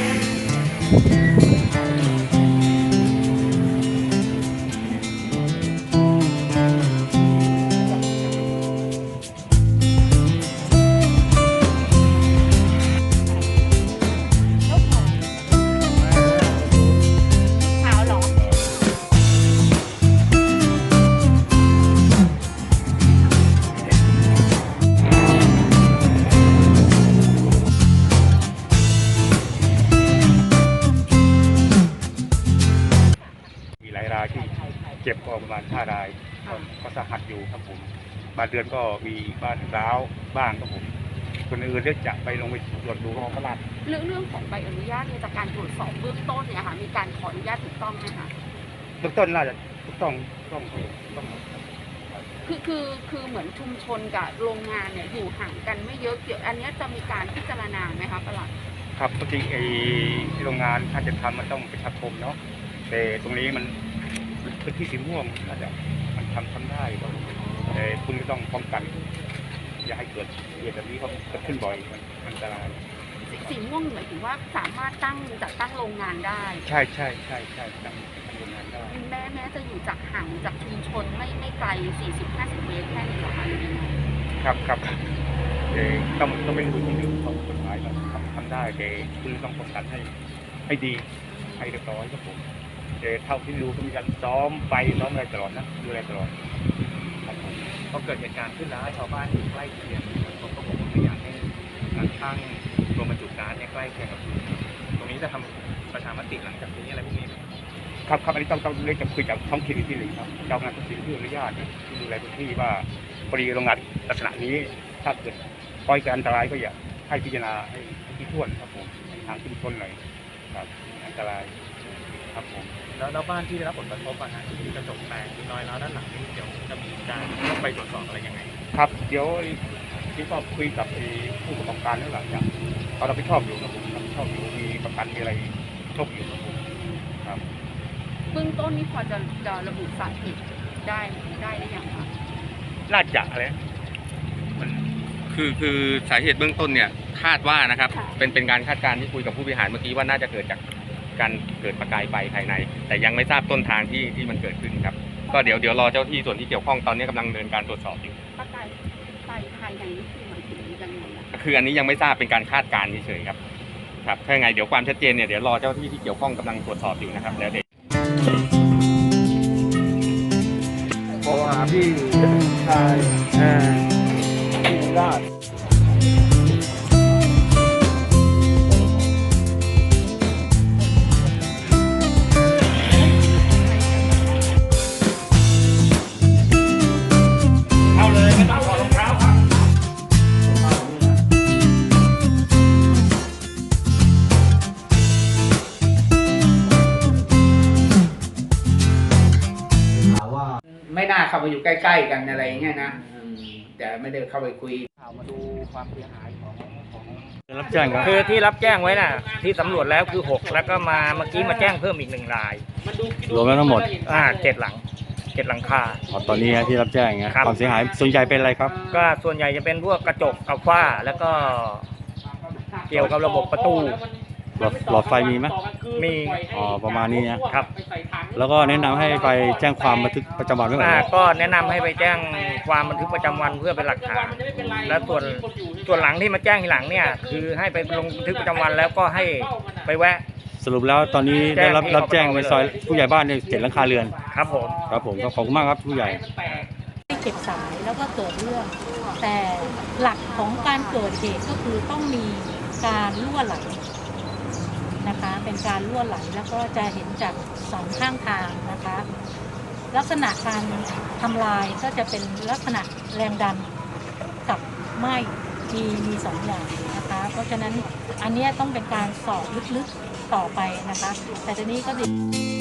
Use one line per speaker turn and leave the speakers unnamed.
ที่เจ็บก็ประมาณ5 รายก็สาหัสอยู่ครับผมบางเดือนก็มีบ้านร้าวบ้างครับผมคนอื่นเรียกจะไปลงไปตรวจดูของตลาด
เรื่องของใบอนุญาตเนี่ยจากการตรวจสอบเบื้องต้นเนี่ยค่ะมีการขออนุญาตถูกต้องไหมคะ
เบื้องต้นน่าจะถูกต้อง
คือเหมือนชุมชนกับโรงงานเนี่ยอยู่ห่างกันไม่เยอะเกี่ยวอันนี้จะมีการพิจารณาไหมคะประหลัด
ครับปกติไอ้โรงงานถ้าจะทำมันต้องประชาคมเนาะแต่ตรงนี้มันพื้นที่สีม่วงอาจจะมันทำได้แต่คุณก็ต้องป้องกันอย่าให้เกิดเหตุแบบนี้เขาเกิดขึ้นบ่อยมันอันตราย
สีม่วงหมายถึงว่าสามารถจัดตั้งโรงงานได้
ใช่ตั้งโรงงานได้
แม้จะอยู่จากห่างจากชุมชนไม่ไกล 40-50 เมตรแค่นี้หรอคะ
ครับต้องเป็นพื้นที่หนึ่งของกฎหมายเราทำได้แต่คุณต้องป้องกันให้ดีให้เรียบร้อยครับผมแต่เท่าที่รู้ก็มีการซ้อมอะไรตลอดนะดูแลตลอด
พอเกิดเหตุการณ์ขึ้นแล้วชาวบ้านที่ใกล้เคียงเขาก็บอกว่าไม่อยากให้การตั้งโรงบรรจุก๊าซเนี่ยใกล้เคียงกับพื้นตรงนี้จะทำประชามติหลังจากนี้อะไรพวกนี้
ครับอันนี้ต้องเรียกจะคุยกับท้องถิ่นที่หนึ่งครับเจ้าหน้าที่ที่อนุญาตที่ดูแลพื้นที่ว่าพอดีโรงงานลักษณะนี้ถ้าเกิดปล่อยการอันตรายก็อย่าให้พิจารณาให้ที่ถ้วนครับผมทางชุมชนหน่อยครับอันตรายครับผม
แล้วบ้านที่ได้รับผลกระทบที่มีกระจกแตกน้อยแล้วด้านหลังนี้เดี๋ยวจะมีการไปตรวจสอบอะไรยังไง
ครับเดี๋ยวที่ก็คุยกับผู้ประกอบการแล้วหลังจากเขารับผิดชอบอยู่ครับผมรับผิดชอบอยู่มีประกันมีอะไรชอบอยู่ครับผมครับ
เบื้องต้นนี้พอจะระบุสาเหตุได้หรือยังคะ
น่าจะอะไร
มันคือสาเหตุเบื้องต้นเนี่ยคาดว่านะครับเป็นการคาดการณ์ที่คุยกับผู้บริหารเมื่อกี้ว่าน่าจะเกิดจากการเกิดประกายไฟภายในแต่ยังไม่ทราบต้นทางที่มันเกิดขึ้นครับก็เดี๋ยวรอเจ้าที่ส่วนที่เกี่ยวข้องตอนนี้กำลังดำเนินการตรวจสอบอยู่
ประกายไฟภายในนี่คือหมายถึงยังไง
คืออันนี้ยังไม่ทราบเป็นการคาดการณ์เฉยๆครับถ้าไงเดี๋ยวความชัดเจนเนี่ยเดี๋ยวรอเจ้าที่เกี่ยวข้องกำลังตรวจสอบอยู่นะครับแล้วเด็ก
เพราะว่าพี่ชายพี่ราชไม่น่าเข้าไปอยู่ใกล้ๆกันอะไรเงี้ยนะแต่ไม่ได้เข้าไปคุย
มาดูความเสียหายของ
รับแจ้ง
คือที่รับแจ้งไว้น่ะที่สำรวจแล้วคือ6แล้วก็มาเมื่อกี้มาแจ้งเพิ่มอีก1 ราย
รวมแล้วทั้งหมด
7 หลังคา
ตอนนี้ที่รับแจ้งความเสียหายส่วนใหญ่เป็นอะไรครับ
ก็ส่วนใหญ่จะเป็นพวกกระจกกับฝ้าแล้วก็เกี่ยวกับระบบประตู
หลอดไฟมีไหม
มี
ประมาณนี้นะครับแล้วก็แนะนำให้ไปแจ้งความบันทึกประจำวันไว้ก่อน
ก็แนะนำให้ไปแจ้งความบันทึกประจำวันเพื่อเป็นหลักฐานและส่วนหลังที่มาแจ้งทีหลังเนี่ยคือให้ไปลงบันทึกประจำวันแล้วก็ให้ไปแวะ
สรุปแล้วตอนนี้ได้รับแจ้งในซอยผู้ใหญ่บ้านเนี่ย7 หลังคาเรือน
ครับผม
ก็ขอบคุณมากครับผู้ใหญ่
เก็บสายแล้วก็เกิดเรื่องแต่หลักของการเกิดเหตุก็คือต้องมีการรั่วไหลนะคะเป็นการรั่วไหลแล้วก็จะเห็นจาก2 ข้างทางนะคะลักษณะการทำลายก็จะเป็นลักษณะแรงดันกับไหม้มี2 อย่างนะคะเพราะฉะนั้นอันนี้ต้องเป็นการสอบลึกๆต่อไปนะคะแต่ทีนี้ก็